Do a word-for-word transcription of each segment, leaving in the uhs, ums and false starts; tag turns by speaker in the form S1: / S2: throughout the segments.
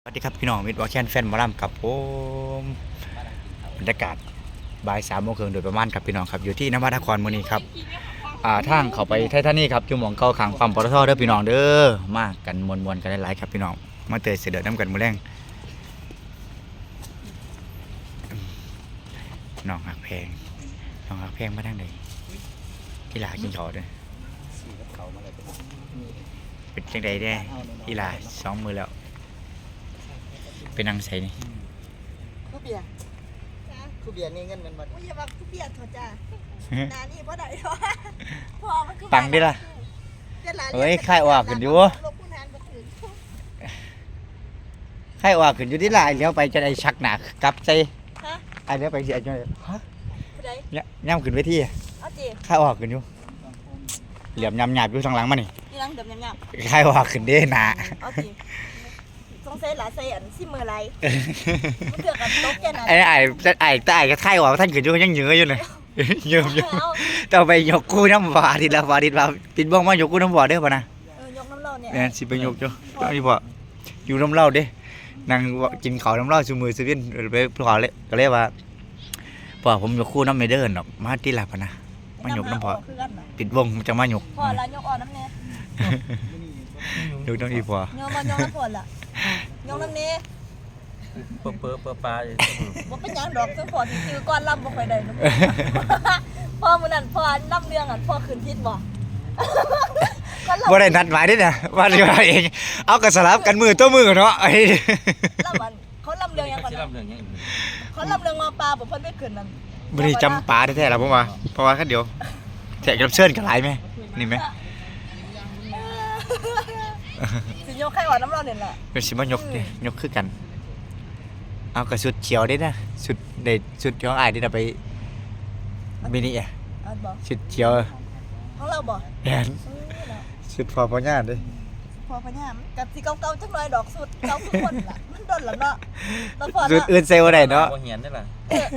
S1: สวัสดีครับพี่น้องมิตรวาแคนแฟนหมอลำครับผมบรรยากาศบ่ายสามโมงครึ่งโดยประมาณครับพี่น้องครับอยู่ที่นวัดนครมือนี้ครับอ่าทางเข้าไปไททานี่ครับจุ่มของเก่าขังปั๊มปตทเด้อพี่น้องเด้อมากันมวนๆกันหลายๆครับพี่น้องมาเตยเสด็จน้ำกันมือแรงน้องหักแพงน้องหักแพงมาทางใดกีฬากินเขาเด้อเป็นจังใดได้กีฬาสองมือแล้วเป็นนางใสนี่
S2: คูเบียร์คูเบียร์นี่เงินมันหมด
S3: ว่าอย่ามาคูเบียร์เถอะจ้านานี่เพราะไหนวะพอมันคือ
S1: ปังดิล่ะเฮ้ยค่ายออกขึ้นอยู่ค่ายออกขึ้นอยู่ที่ลายเลี้ยวไปจะได้ชักหนักกลับใจไอ้เลี้ยวไปเสียจังเลยฮะเนี่ยย่ำขึ้นไปที่ค่ายออกขึ้นอยู่เหลี่ยมยำหยาบอยู่ทางหลังมานี่
S3: ยังเดิมยำหยาบ
S1: ค่ายออกขึ้นเด้หนา
S3: ต้องใส่หลาใส่อันซิมือไรมันเกิดกับโต๊ะแกน่ะ
S1: ไอ้ไอ้ไอ้แต่ไอ้ก็ค่ายออกท่านขึ้นอยู่ยังเยื้ออยู่เลยเยื้ออยู่ต่อไปยกกู้น้ำบ่อทีละบ่อทีละปิดบ้องมายกกู้น้ำบ่อเด้อป่ะนะ
S3: เออยกน้ำเล่าเนี่ย
S1: เนี่ยสิไปยกจ้ะนี่บ่อยู่น้ำเล่าเด้นางกินข้าวน้ำเล่าชูมือซื้อวินไปขอเลยก็เลยว่าพ่อผมยกคู่น้ำไม่เดินหรอกมาที่หลับนะมายกน้ำพอปิดวงจะมายก
S3: พอแล้วยกอ่อนน้ำเนี่ย
S1: ยกน้ำอีพอย
S3: กมายกน้ำพอละยกน้ำเนี่ย
S2: เปิดเปิดเปิดปลาเลย
S3: ว่าเป็นยังดอกซึ่งพอที่คือก้อนลำบ่ค่อยได้พ่อมือนั่นพ่อลำเรื่องอ่ะพ่อขึ้นทิศบ่
S1: บ่ได้นัดหมายด้วยนะว่าเรื่องเองเอากระสลับกันมือตัวมือเนาะไอ้
S3: ลำมันเขาลำเรื่องยังก่อนเขาลำเรื่องมาปลาบ่เพิ่นไม่ขึ้นนั่น
S1: ไม่ได้จำปลาแท้ๆหรอกผมว่าเพราะว่าแค่เดียวแขกรับเชิญกันหลายไหมนี่ไหม
S3: สิยกใครอ่อนน้ำร้อนเนี่ยแหละ
S1: เป็นสิมายกดิยกคือกันเอากระสุดเขียวได้นะสุดเด็ดสุดของไอ้ที่เราไปมินิอ่ะสุดเขียว
S3: ของเราบ่
S1: แอนสุดพอพอญ่าดิ
S3: พอพญามกับสีเก่าๆจังเลยดอกสุดเก่าทุกคนล่ะมันโดนแล้วเนาะ
S1: สุดอื่นเซลล์ได้เนาะ
S2: บ่เหียนได้ล่ะ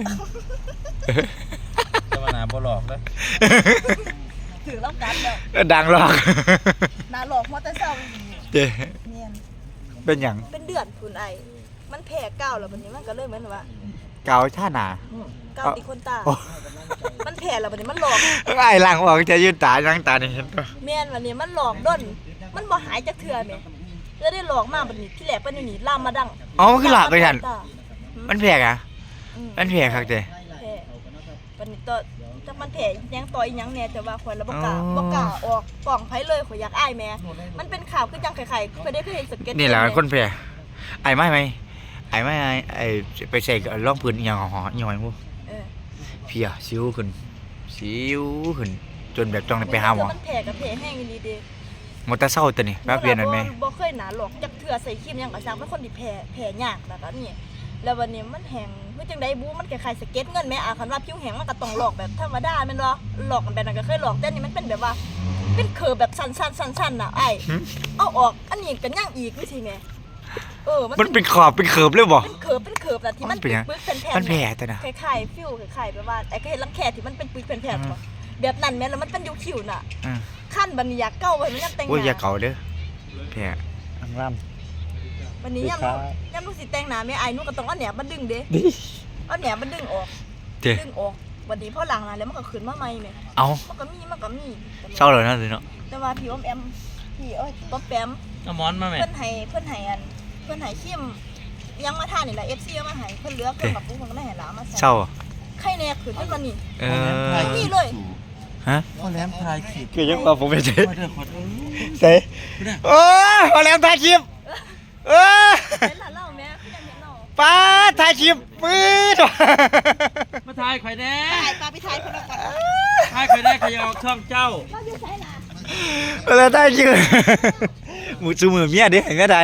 S2: จะมาหนาบ่หลอกเลย
S3: ถือแล้วกัน
S1: เด้อดังหลอก
S3: หนาหลอกมอเตอร์ไซค์
S1: เจ๊เป็นหยัง
S3: เป็นเดือดคุณไอมันแผลเก่าแล้ววันนี้มันก็เลยเหมือนว่า
S1: เก่าท่าหนา
S3: เก่าตีคนตามันแผลแล้ววันนี้มันหลอก
S1: ไอ้หลังบอกจะยืนตายังตานี่เห็นปะ
S3: เมียนวันนี้มันหลอกด้นมันบ่หายจากเถื่อไหมก็ได้หลอกมากวันนี้ที่แหลกเป็นหนีล่ามมาดัง
S1: อ๋อมันคือหลับไปฉันมันแผลอ่ะมันแผลครับเจ๊
S3: แผลวันนี้ตัวถ้ามันแผลยังต่อยยังเนี่ยแต่ว่าคนละบกกาบกกาออกกล่องไผ่เลยขอยอยากอ้ายแม่มันเป็นข่าวคือจังไข่ๆเคยได้เคยเห็นสเก็ต
S1: นี่แหละคนแผลไอ้ไม่ไหมไอ้ไม่ไอ้ไปใส่ร่องพื้นอย่างห่อหน่อยมั้งเพียสิวขึ้นสิวขึ้นจนแบบต้องไปหาหมอ
S3: มันแผลกับแผลแห้งดีดี
S1: มอเตอร์ไซค์ตัวนี้แป๊บเดียวนั่นไหม
S3: บ่เคยหนาหลอกจักเถื่อใส่ครีมยังกระซังเป็นคนที่แผลแผลยากแบบนี้แล้ววันนี้มันแห้งเมื่อจังได้บูมันคล้ายๆสเก็ตเงินแม่อาคันว่าผิวแห้งมันก็ต้องหลอกแบบธรรมดาแม่นบ่หลอกกันแบบนั้นก็เคยหลอกแต่นี่มันเป็นแบบว่าเป็นเคอแบบสั้นๆๆๆน่ะไอ้เอาออกอันนี้ก็ยังอีกวิธีแม่เออ
S1: มันเป็นขอบเป็นเขิบเลยบ่
S3: เป็นเขิบเป็นเขิบน่ะที่มันเป็นปึ๊กเป็นแผ่น
S1: มันแผลแต่นะ
S3: คล้ายๆฟิวคล้ายๆแบบว่าไอ้ก็เห็นลังแคที่มันเป็นปึ๊กเป็นแผ่นบ่แบบนั้นแม่แล้วมันเป็นอยู่คิวน่ะขั้นบัดนี้อยากเก่าไว้มันยังแต่งหน้า
S1: โอ้ยอย่าเก่าเด้อแผลอังล่ำ
S3: วันนี้ย่ำย่ำลูกสิแต่งหน้าแม่ไอ้หนูก็ต้องเอาแหนบมาดึงเด้เอาแหนบมาดึงออกดึงออกวันนี้พอหลังนะแล้วมันก็ขึ้นมาใหม่แม่
S1: เอา
S3: มันก็มีมันก็มี
S1: เศร้าเลยนะสิเนาะ
S3: แต่ว่าพี่อมแอมพี่เอ้ยป๊อปแปม
S2: เอาหมอนมาแม่
S3: เพิ่นให้เพิ่นให้อันเพิ่นให้เข้มยังมาทานนี่แหละ เอฟ ซี เอามาให้เพิ่นเหลือเพิ่นกับปุ๊บเพิ่นก็ได้ให้หลามาใส่
S1: เศร้า
S3: ไข่แน่ขึ้นขึ้นมานี่
S1: เออ
S3: นี่เลย
S1: ฮะ
S2: พ่อแหลมทายคลิป
S1: คือยังว่าผมไม่ใช่ใส่โอ้พ่อแหลมทายคลิปเออ
S3: เป็นหลานเล่าแม่คือยังเห็นเนาะ
S1: ป้าทายคลิปปื๊ด
S2: มาทายข่อยแน่
S3: ถ่ายปลาไปถ่ายเพิ่นก่อน
S2: ทายข่อยแน่ข่อยเอาช่องเจ้า
S3: เราอยู่ไสล่ะ
S1: เออทายคลิปหมูซูมือเมียดิเห็นก็ได้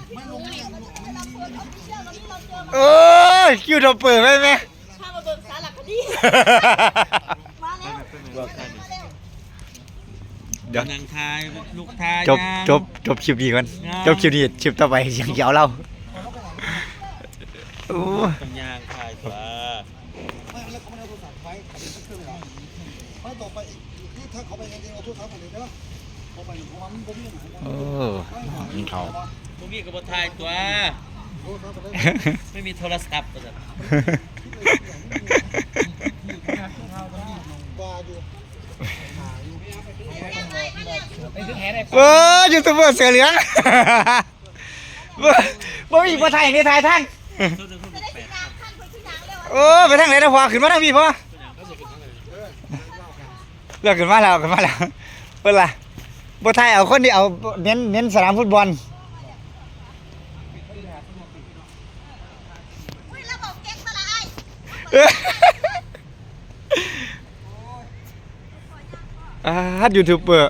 S1: โอ้ยคิวทอปเปอร์ไหมแม่
S3: พามาเบิ่งสารคดีมาแล้ว
S1: เดี๋ยว
S2: นั่งทายลูกทาย
S1: จบจบจบคลิปนี้ก่อนจบคลิปนี้คลิปต่อไปยังยาวเล่าโอ้
S2: ยยางทายตัว
S4: ไม่แล้วเขาไม่เอาโทรศัพท์ไปเขาเป็นเครื่องหรอไม่ต่อไปนี่ถ้าเขาไปจริงๆเอาโทรศัพท์ไปเลยเนาะเขาไปเพราะว่ามันบ่มีหมาย
S1: โอ้นี่เขา
S2: พวกนี้ก็บ่ทายตัว
S5: ไม่มีโทรศัพท์
S4: ว่าอยู่
S1: เออยูทูบเบอร์เสือเหลืองบ่บ่มีบ่ถ่ายในถ่ายทางโอ้ไปทางไหนนะพ่อขึ้นมาทางพี่พ่อเลิกขึ้นมาแล้วขึ้นมาแล้วเพิ่นล่ะบ่ถ่ายเอาคนที่เอาเน้นเน้นสนามฟุตบอล
S3: อุ้ยระบบเก่งมาละไอ้
S1: เอออ่าฮัดยูทูบเบอร์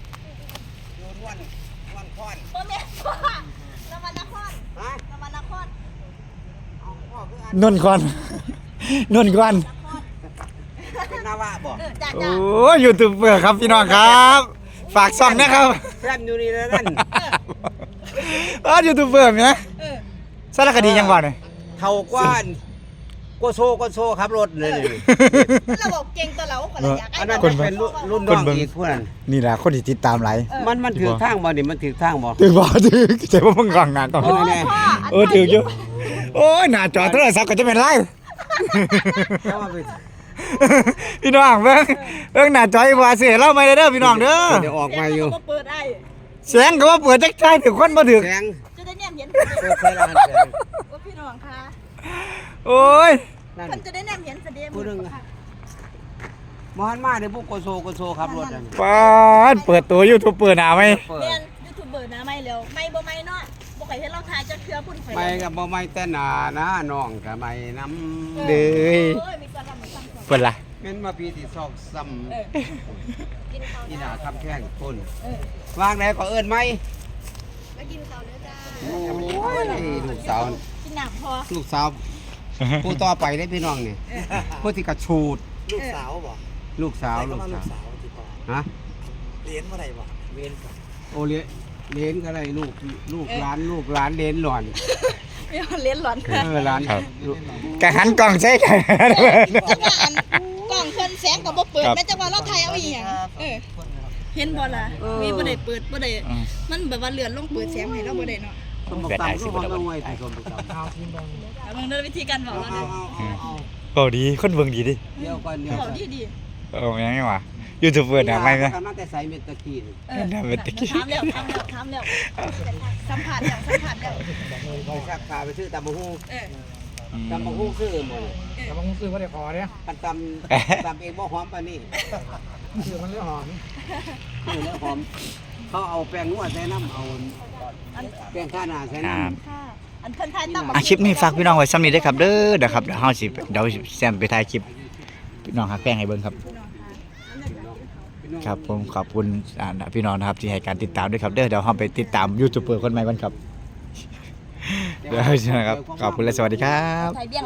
S3: โมเมนต์พ่อนวันนครนวันนคร
S1: นนท์ก่อนนนท์ก่อน
S2: เป็นนาวะบ่
S3: เออจ้า
S1: โอ้
S3: จ้า
S1: ยูทูบเบอร์ครับพี่น้องครับฝากซ่องนะครับ
S2: แฟมอยู่นี่แล้วนั่น
S1: อ๋อยูทูบเบอร์เนี่ย
S3: เออ
S1: สารคดียังบ่เนี่ย
S2: เท่ากว้านโกโซโกโซขับรถเลย
S3: ระบบเก่งตัวเราคนละอย่าง
S2: อันนั้นเป็นรุ่นน้องอีกพวกนั้น
S1: นี่แหละคนที่ติดตามหลาย
S2: มันมันถือทางบ่นี่มันถือทางบ่
S1: ถือบ่ถือใจว่ามึงกองหน้ากอง
S3: โอ้ยพ่อ
S1: เออถืออยู่โอ้ยหน้าจอโทรศัพท์ก็จะเป็นไร
S2: แล้วมาไป
S1: พี่น้องเบิ่งเบิ่งหน้าจออีบ่เสียเล่าไม่ได้เด้อพี่น้องเด้อ
S2: เดี๋ยวออกมาอยู่
S3: เปิดไอ้
S1: เสียงก็ว่าเปิดจักใจถึงคนบ่ถึก
S2: แสง
S3: จะได้เนี่ยเห็น
S2: เปิดไฟร้านแสง
S3: ว่าพี่น้องค่ะ
S1: โอ้ย
S2: นั่น
S3: มันจะได้เนี่ยเห็นเสด็จ
S2: ผู้หนึงอะมหันมาเดี๋ยวพวกโกโซโกโซขับรถนั่น
S1: ปาดเปิดตัวยูทูบเบอร์หน้าไหม
S2: เปิด
S3: เรียนยูทูบเบอร์นะไม่เร็วไม่บ่ไม่เนาะบ่เคยเห็นเราถ่ายจะเครือพุ่นไฟ
S2: ไม่กับบ่ไม่แต่หนานะน้องกับไม่น้ำ
S1: เด้ย
S3: เอ้ยมีกระลำมีกระลำ
S1: เพิ่นล่ะ
S2: เม่นมาปีที่ซอกซ้
S3: เออ
S2: ำนี่หนาทำแข้งคน
S3: เออ
S2: วางไหนก็เอิ้นไหม
S3: มากินข้าวเด้อจ้า
S2: โอ้ยลูกสาว
S3: กินน้ำพอ
S2: ลูกสาวผู้ต่อไปได้พี่น้องนี่ผู้ที่กระชูด
S4: ลูกสาวบ่
S2: ลูกสาว
S4: ลู
S2: ลู
S4: ก
S2: ก
S4: สา
S2: สาว ว
S4: ที่พ่อ
S2: ฮะ
S4: เรียนเมื่อไหร่บ่เรียนกับ
S2: โอเลี้ยเลี้ยนก็ได้ลูกลูกหลานลูกหลานเลี้ยนหล่อน
S3: ไม่เอาเลี้ยนหลอน
S2: เออหลาน
S1: กะหันกล้องใส่กัน
S3: จังว่าอันกล่องเพิ่นแสงก็บ่เปิด
S1: ครับ
S3: แม้จังว่าเราถ่ายเอาอีหยังเออเห็นบ่ล่ะมีบ่ได้เปิดบ่ได้มันแบบว่าเลื่อนลงเปิดแสงให้เราบ่ได้เนาะ
S2: สมบัติตามก็ห้องเอาไว้ที่สมบัติตาม
S3: เอาเบิ่งเด้อวิธีการบอก
S2: เอา
S3: เรา
S2: เอา
S3: เด้อ
S2: เอาเอา
S1: โอ้ดีคนเบิ่งดีดิ
S2: เดี๋ยวก่อนเดี๋ยว
S3: บ
S2: ก่
S3: อ
S2: อก น
S3: ดีดี
S1: เอายังไงวะยูทูบเบอร์หน้าไหมไหม
S2: มันแต่ใส่เม็ดตะกี้นี่
S3: เออ
S1: น่าเป็นตะกี้
S3: ถามแล้วถามแล้วถามแล้วสัมผัสแล้วสัมผัสแล้ว
S2: ไปชักขาไปซื้อตำบักหุ่ง
S3: เออ
S2: ตำบักหุ่งซื้อหมด
S4: แต่บางคนซื้อว่าได้พอเนี่ย
S2: กันตำตำเองบ่หอมปานนี้
S4: ซื้อมันเรื่องหอม
S2: ซื้อแล้วหอมเขาเอาแป้งนวดใส่น้ำเอาแป้งข้าหน้าใส่น้ำ
S3: ค่ะอันเพิ่นถ่ายตาม
S1: อาคลิปนี้ฝากพี่น้องไว้ซ้ำนี้เด้อครับเด้อเดี๋ยวครับเดี๋ยวเฮาสิเดี๋ยวแซมไปถ่ายคลิปพี่น้องหักแป้งให้เบิ่งครับ ครับผมขอบคุณอ่าพี่น้องนะครับที่ให้การติดตามด้วยครับเด้อเดี๋ยวเราไปติดตามยูทูบเบอร์คนใหม่กันครับเดี๋ยวนะครับขอบคุณและสวัสดีครับ
S3: ถ่ายเบี้ยง